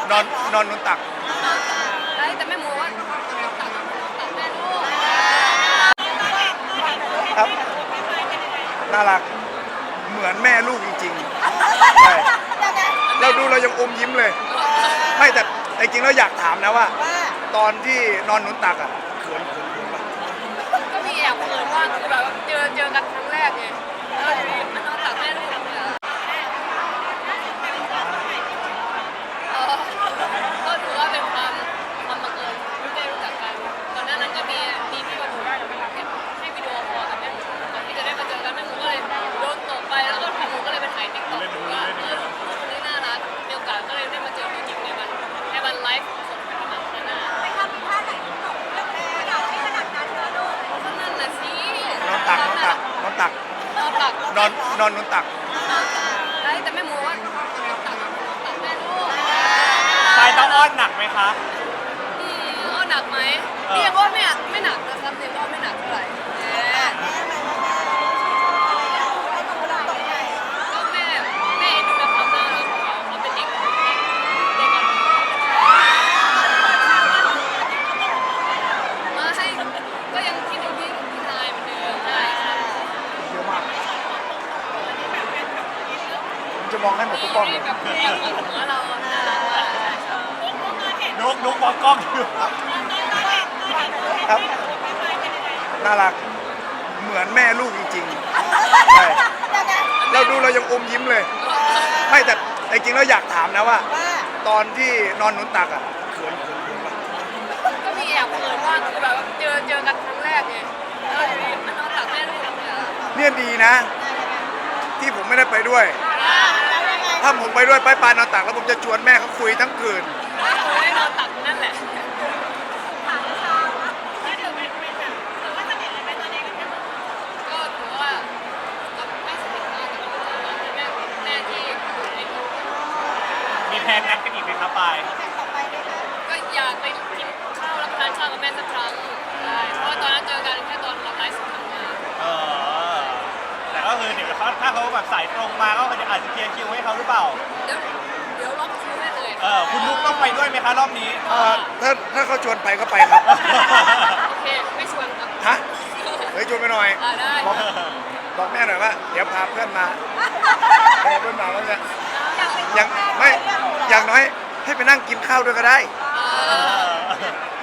นอนนอนนุนตักได้แต่แม่หมูว่าตักแม่ลูกครับน่ารักเหมือนแม่ลูกจริงๆใช่เราดูเรายังอมยิ้มเลยไม่แต่จริงแล้วอยากถามนะว่าตอนที่นอนนุนตักอ่ะเขินป่ะก็มีแอบเขินว่าคือแบบเจอกันครั้งแรกไงแล้วอยู่ดีมันนอนตักแม่ลูกเนี่ยก็ถือว่าเป็นความบังเอิญที่ได้รู้จักกันก่อนหน้านั้นก็มีพี่มาดูได้ให้วิดีโอคอลกับแม่หมูก่อนที่จะได้มาเจอกันแม่หมูก็เลยโดนตกไปแล้วก็แม่หมูก็เลยไปถ่ายติ๊กต็อกว่าคนนี้น่ารักมีโอกาสก็เลยได้มาเจอตัวจริงในวันไลฟ์สดที่มาขนาดไปทำท่าไหนตกเรื่องแรกเราไม่ขนาดนั้นนะลูกก็นั่นแหละสินอนตักนอนนุนตักได้แต่แม่หมูว่าตักแม่ลูกปายต้องอ้อนหนักไหมคะอ้อนหนักไหมเรียกว่าไม่หนักนะครับเรียกว่าไม่หนักเท่าไหร่ก็แม่เอ็นดูในความน่ารักของเขาเป็นเด็กอ่อนมาให้ก็ยังคิดถึงพี่นายเหมือนเดิมใช่ครับเยอะมากผมจะมองให้หมดทุกกล้องเลยกับหัวเราน่ารักมากนุกมองกล้องอยู่ครับน่ารักเหมือนแม่ลูกจริงๆใช่เราดูเรายังอมยิ้มเลยไม่แต่จริงแล้วอยากถามนะว่าตอนที่นอนนุนตักอ่ะเขินป่ะก็มีแอบเขินว่าคือแบบเจอกันครั้งแรกไงแล้วอยู่ดีมันนอนตักแม่ลูกเนี่ยดีนะที่ผมไม่ได้ไปด้วยถ้าผมไปด้วยปานอนตักแล้วผมจะชวนแม่เขาคุยทั้งคืนได้นอนตักนั่นแหละก็ถือว่าไม่สนิทมากแต่ก็แม่ที่อยู่ในรูปมีแพลนนัดกันอีกไหมครับปายก็อยากไปกินข้าวรับประทานข้าวกับแม่สักครั้งใช่เพราะว่าตอนนั้นเจอกันแค่ตอนเราไลฟ์สดทำงานแต่ก็คือเดี๋ยวถ้าเขาแบบสายตรงมาก็อาจจะเคลียร์คิวให้เขาหรือเปล่าเดี๋ยวล็อกคิวให้เลยคุณนุ๊กต้องไปด้วยไหมคะรอบนี้ถ้าเขาชวนไปก็ไปครับโอเคไม่ชวนครับฮะเฮ้ยชวนไปหน่อยได้บอกแม่หน่อยว่าเดี๋ยวพาเพื่อนมาแล้วเนี่ยยังไม่อย่างน้อยให้ไปนั่งกินข้าวด้วยก็ได้